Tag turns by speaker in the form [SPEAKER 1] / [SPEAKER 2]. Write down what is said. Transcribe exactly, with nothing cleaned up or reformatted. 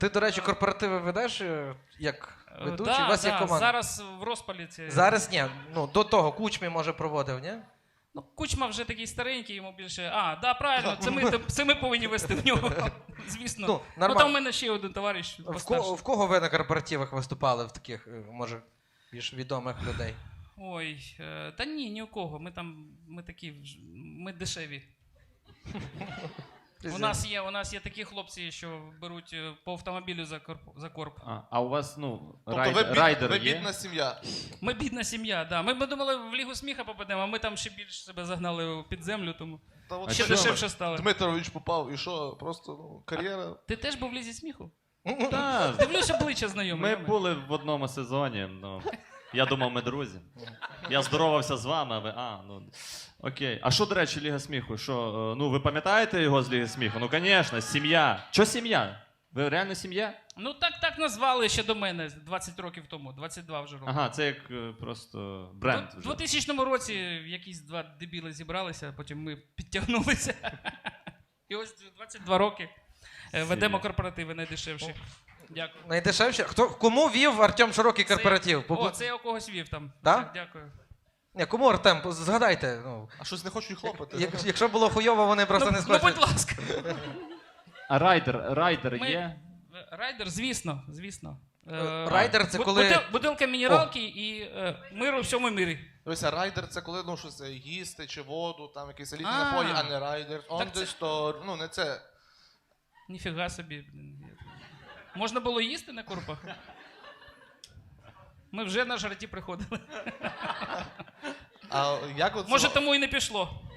[SPEAKER 1] Ти, до речі, корпоративи ведеш е, як ведучий?
[SPEAKER 2] Да,
[SPEAKER 1] У вас
[SPEAKER 2] да,
[SPEAKER 1] є команда?
[SPEAKER 2] зараз в розпалі це...
[SPEAKER 1] Зараз ні. Ну, до того Кучмі, може, проводив, ні?
[SPEAKER 2] Ну, Кучма вже такий старенький, йому більше... А, да, правильно, це ми, це ми повинні вести в нього, звісно.
[SPEAKER 1] Ну,
[SPEAKER 2] Ну,
[SPEAKER 1] нормально.
[SPEAKER 2] там у мене ще один товариш
[SPEAKER 1] В кого,
[SPEAKER 2] постарший.
[SPEAKER 1] в кого ви на корпоративах виступали в таких, е, може, більш відомих людей?
[SPEAKER 2] Ой, е, та ні, ні у кого. Ми там, ми такі, вж- ми дешеві. У нас є, у нас є такі хлопці, що беруть е, по автомобілю за корп. За корп.
[SPEAKER 3] А, а у вас, ну,
[SPEAKER 4] Тобто
[SPEAKER 3] райд,
[SPEAKER 4] ви, бід,
[SPEAKER 3] райдер
[SPEAKER 4] ви
[SPEAKER 3] є?
[SPEAKER 4] бідна сім'я.
[SPEAKER 2] Ми бідна сім'я, да. Ми, ми думали, в Лігу сміха попадемо, а ми там ще більше себе загнали під землю, тому
[SPEAKER 4] Та от
[SPEAKER 3] А
[SPEAKER 2] ще
[SPEAKER 3] що?
[SPEAKER 2] дешевше стало.
[SPEAKER 4] Дмитрович попав, і що? Просто ну, кар'єра.
[SPEAKER 2] Ти теж був в Лізі сміху?
[SPEAKER 3] Так,
[SPEAKER 2] Дивлюсь, обличчя знайоме.
[SPEAKER 3] ми були в одному сезоні, ну, я думав, ми друзі. Я здоровався з вами, а ви, а, ну, окей. А що, до речі, Ліга сміху? Що, е, ну, ви пам'ятаєте його з Ліги сміху? Ну, звісно, сім'я. Що сім'я? Ви реально сім'я?
[SPEAKER 2] Ну так, так назвали ще до мене двадцять років тому, двадцять два вже років.
[SPEAKER 3] Ага, це як е, просто бренд
[SPEAKER 2] У
[SPEAKER 3] вже.
[SPEAKER 2] двохтисячному році якісь два дебіли зібралися, потім ми підтягнулися. І ось двадцять два роки е, ведемо корпоративи найдешевші. Дякую.
[SPEAKER 1] Найдешевше? Хто, кому вів Артем Широкий корпоратив?
[SPEAKER 2] Це, о, це я у когось вів там.
[SPEAKER 1] Да?
[SPEAKER 2] Так, дякую.
[SPEAKER 1] Ні, кому Артем? Згадайте. Ну,
[SPEAKER 4] А щось не хочуть хлопати.
[SPEAKER 1] як, якщо було хуйово, вони просто
[SPEAKER 2] ну,
[SPEAKER 1] не
[SPEAKER 2] ну,
[SPEAKER 1] схочуть.
[SPEAKER 2] будь ласка.
[SPEAKER 3] А райдер, райдер
[SPEAKER 2] Ми-
[SPEAKER 3] є?
[SPEAKER 2] Райдер, звісно, звісно.
[SPEAKER 1] Е, райдер це
[SPEAKER 2] бу-
[SPEAKER 1] коли-
[SPEAKER 2] бутил- Бутилка мінералки і е, мир у всьому мирі.
[SPEAKER 4] Дивися, райдер це коли ну, щось е, їсти чи воду, там якісь елітні
[SPEAKER 2] А.
[SPEAKER 4] напої, а не райдер. Он
[SPEAKER 2] Так це-
[SPEAKER 4] десь то, ну не це.
[SPEAKER 2] Ніфіга собі. блін. Можна було їсти на корпах? Ми вже на жарті приходили.
[SPEAKER 4] А як от
[SPEAKER 2] Може, тому і не пішло.